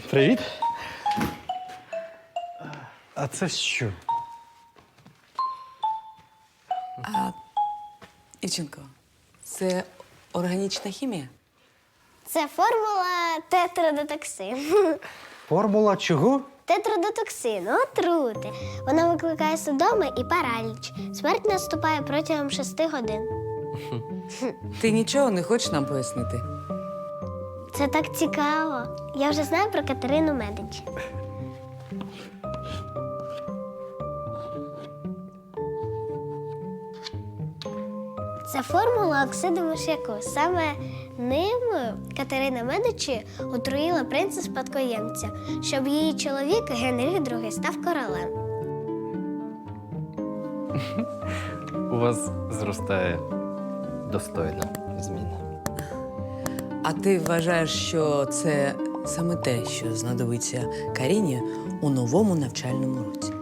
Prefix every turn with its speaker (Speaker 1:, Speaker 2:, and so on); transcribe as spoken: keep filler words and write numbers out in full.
Speaker 1: Привіт. А це що?
Speaker 2: Івченко, це органічна хімія?
Speaker 3: Це формула тетрадотоксину.
Speaker 1: Формула чого?
Speaker 3: Тетрадотоксину отрути. Вона викликає судоми і параліч. Смерть наступає протягом шести годин.
Speaker 2: Ти нічого не хочеш нам пояснити?
Speaker 3: Це так цікаво. Я вже знаю про Катерину Медичі. Це формула оксиду миш'яку. Саме ним Катерина Медичі отруїла принца-спадкоємця, щоб її чоловік Генріх другий став королем.
Speaker 1: У вас зростає достойна зміна.
Speaker 2: А ти вважаєш, що це саме те, що знадобиться Каріні у новому навчальному році?